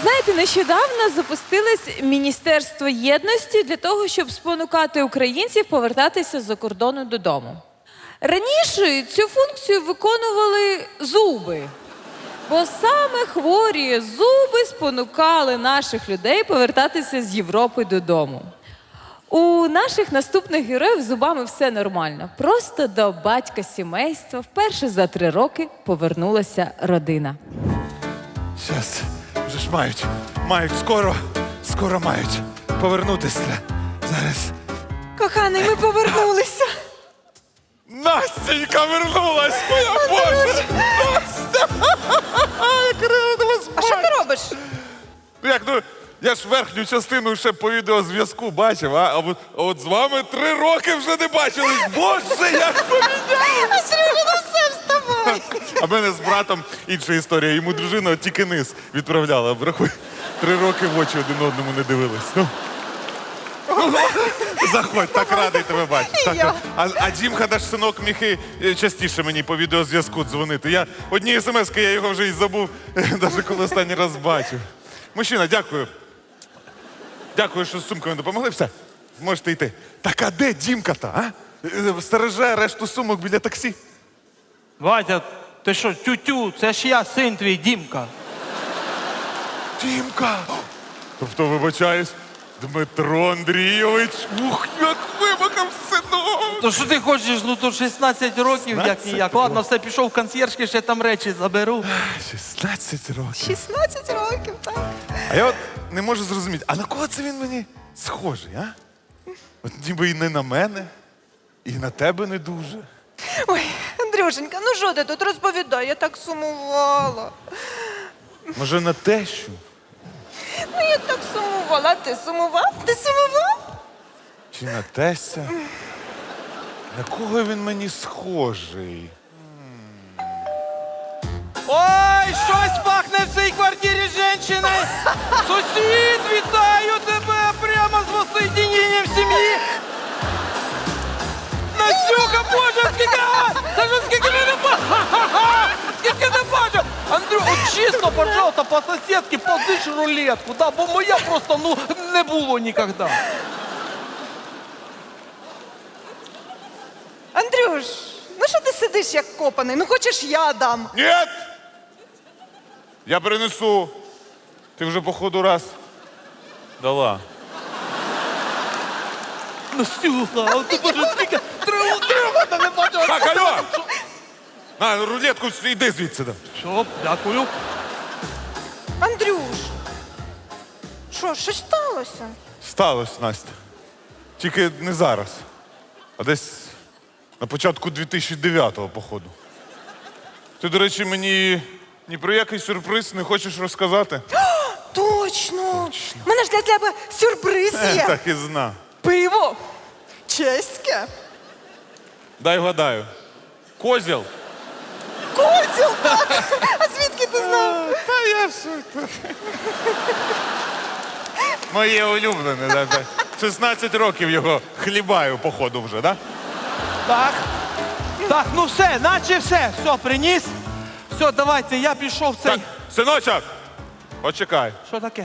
Знаєте, нещодавно запустилось Міністерство єдності для того, щоб спонукати українців повертатися з-за кордону додому. Раніше цю функцію виконували зуби, бо саме хворі зуби спонукали наших людей повертатися з Європи додому. У наших наступних героїв з зубами все нормально. Просто до батька сімейства вперше за 3 роки повернулася родина. Щас, вже ж мають, скоро мають повернутися. Зараз. Коханий, ми повернулися. Настенька вернулась, моя Боже! Настя! Як рада вас А що ти робиш? Я ж верхню частину ще по відеозв'язку бачив, а от з вами 3 роки вже не бачились. Боже, як поміняли! А Сережа, все, вставай. А в мене з братом інша історія. Йому дружина тільки низ відправляла. Врахуй, 3 роки в очі один одному не дивились. Ну. Заходь, так радий тебе бачити. Так, а Дімка, наш синок, міг і частіше мені по відеозв'язку дзвонити. Я одні смс-ки, я його вже і забув, навіть коли останній раз бачив. Мужчина, дякую. Дякую, що з сумками допомогли. Все, можете йти. Так а де Дімка-то, а? Стереже решту сумок біля таксі. Ватя, ти що, тю-тю, це ж я, син твій, Дімка. Дімка! Тобто, вибачаюсь, Дмитро Андрійович. Ух, як вимахав синок! То що ти хочеш, ну то 16 років, як ніяк. Ладно, все, пішов в консьєржки, ще там речі заберу. 16 років. 16 років, так. А я от не можу зрозуміти, а на кого це він мені схожий, а? От ніби і не на мене, і на тебе не дуже. Ой, Андрюшенька, ну що ти тут розповідай, я так сумувала. Може, на тещу? Ну, я так сумувала. А ти сумував? Ти сумував? Чи на тестя? На кого він мені схожий? Ой, щось пахне в цій квартирі жінчини. Сусід, вітаю тебе прямо з воссоединенням сім'ї. Настюха, Боже, скільки не бачу! Скільки не бачу! Андрю, от чесно, пожалуйста, по-сусідськи позич рулетку, да, бо моя просто, ну, не було ніколи. Андрюш, ну що ти сидиш як копаний? Ну хочеш я дам? Ні! Я принесу. Ти вже, походу, раз дала. Настюха, а ти, Боже, скільки треба, та не бачу. Так, алло! На, рулетку, йди звідси. Що, дякую. Андрюш, що, щось сталося? Сталося, Настя. Тільки не зараз, а десь на початку 2009-го, походу. Ти, до речі, мені ні про який сюрприз не хочеш розказати? Точно! У мене ж для тебе сюрприз є. Так і знав. Пиво. Чеське. Дай вгадаю. Козіл? Козіл, так. А звідки ти знав? Та я шутер. Моє улюблене. Да. 16 років його хлібаю, походу, вже, да? Так. Так, ну все, наче все. Все, приніс. Все, давайте, я пішов в цей... Так, синочок, почекай. Що таке?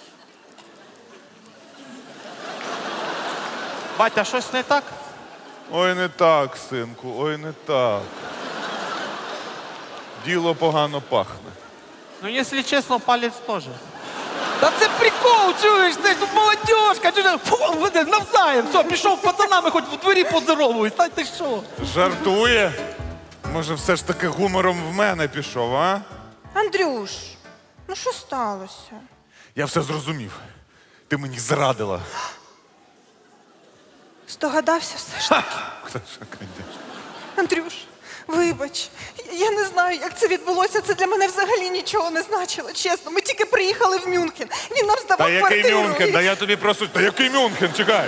Батя, щось не так? Ой, не так, синку, ой, не так. Діло погано пахне. Ну, якщо чесно, палець теж. Та це прикол, чуєш, це ж молодіжка, чуєш, фу, веде, навзаєм, все, пішов з пацанами, хоч в дворі поздоровуюсь, та ти що? Жартує? Може, все ж таки гумором в мене пішов, а? Андрюш, ну що сталося? Я все зрозумів. Ти мені зрадила. Здогадався все ж таки. Та що, конечно. Андрюш, вибач, я не знаю, як це відбулося. Це для мене взагалі нічого не значило. Чесно, ми тільки приїхали в Мюнхен. Він нам здавав Та який квартиру. Мюнхен? Да я тобі просто... Та який Мюнхен? Чекай.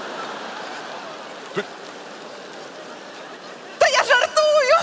Та я жартую!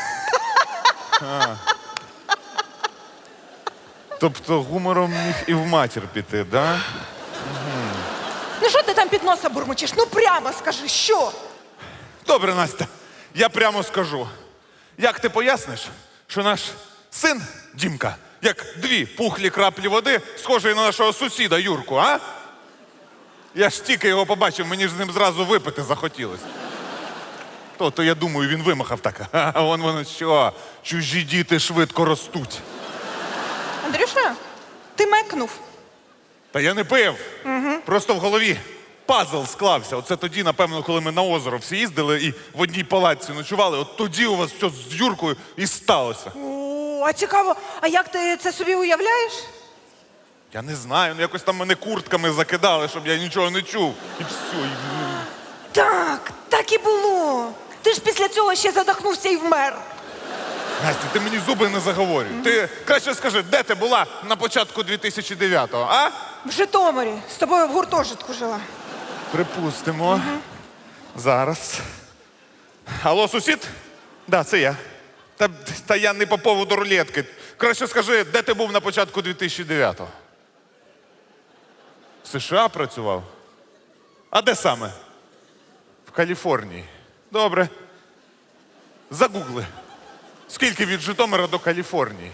Тобто гумором міг і в матір піти, да? Ну що ти там під носа бурмочеш? Ну прямо скажи, що? Добре, Настя, я прямо скажу. Як ти поясниш, що наш син Дімка Як дві пухлі краплі води, схожі на нашого сусіда Юрку, а? Я ж тільки його побачив, мені ж з ним зразу випити захотілося. То я думаю, він вимахав так. А вон воно що, чужі діти швидко ростуть. Андрюша, ти мекнув. Та я не пив. Просто в голові пазл склався. Оце тоді, напевно, коли ми на озеро всі їздили і в одній палатці ночували, от тоді у вас все з Юркою і сталося. О, а цікаво, а як ти це собі уявляєш? Я не знаю, ну якось там мене куртками закидали, щоб я нічого не чув. І все. Так, так і було. Ти ж після цього ще задохнувся і вмер. Настя, ти мені зуби не заговорюй. Ти краще скажи, де ти була на початку 2009-го, а? В Житомирі з тобою в гуртожитку жила. Припустимо. Зараз. Алло, сусід? Да, це я. Та я не по поводу рулетки. Краще скажи, де ти був на початку 2009-го? В США працював? А де саме? В Каліфорнії. Добре. Загугли. Скільки від Житомира до Каліфорнії?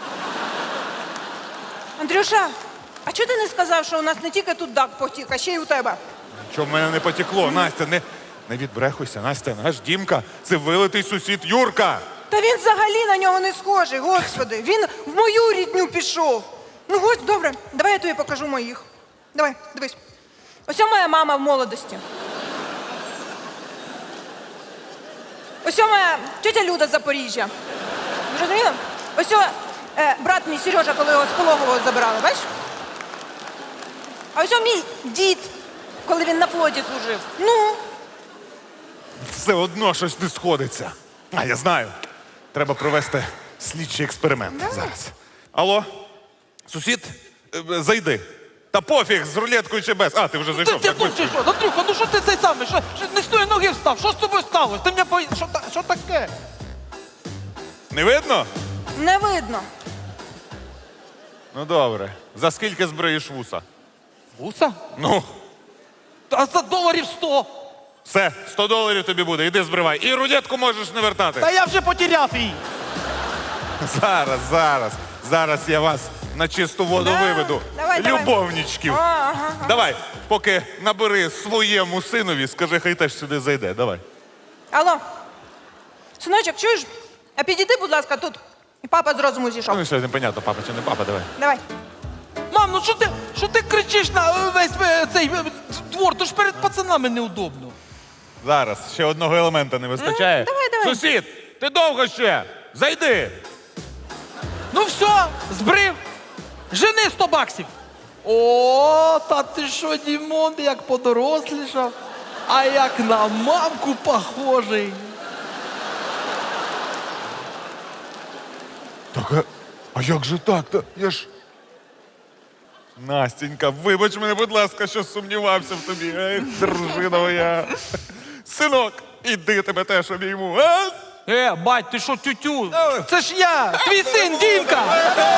Андрюша, а чого ти не сказав, що у нас не тільки тут дак потік, а ще й у тебе? Що в мене не потекло? Настя, не відбрехуйся. Настя, наш Дімка – це вилитий сусід Юрка. Та він взагалі на нього не схожий, господи. Він в мою рідню пішов. Ну, ось, добре, давай я тобі покажу моїх. Давай, дивись. Ось моя мама в молодості. Ось моя тетя Люда з Запоріжжя. Зрозуміла? Ось брат мій Сережа, коли його з пологового забрали, бачиш? А ось мій дід, коли він на флоті служив. Ну, Все одно щось не сходиться. А, я знаю. Треба провести слідчий експеримент зараз. Алло, сусід, зайди. Та пофіг, з рулеткою чи без. А, ти вже зайшов. Ти так тут быстро. чи що? Андрюха, ну що ти цей самий? Що не з тої ноги встав? Що з тобою сталося? Ти мене що таке? Не видно? не видно. Ну добре. За скільки збриєш вуса? Вуса? Ну, А за доларів 100. все, $100 тобі буде, іди збривай. І рулетку можеш не вертати. Та я вже потеряв її. Зараз я вас на чисту воду Да, виведу. давай. Любовничків. Ага. Давай, поки набери своєму синові, скажи, хай теж сюди зайде. Давай. Алло, синочок, чуєш? А підійди, будь ласка, тут. І папа з розуму зійшов. Ну, що непонятно, папа чи не папа, давай. Давай. Мам, ну що ти кричиш на весь цей двор? То ж перед пацанами неудобно. Зараз, ще одного елемента не вистачає. Давай. Сусід, ти довго ще? Зайди. Ну все, збрив. Жени 100 баксів. О, та ти що, Дімон, як подорослішав, а як на мамку похожий. Так, а як же так? Я ж... Настенька, вибач мене, будь ласка, що сумнівався в тобі. Ех, дружина моя. Синок, іди тебе теж обійму, а? Бать, ти що, тютю? Це ж я, твій син, Дімка.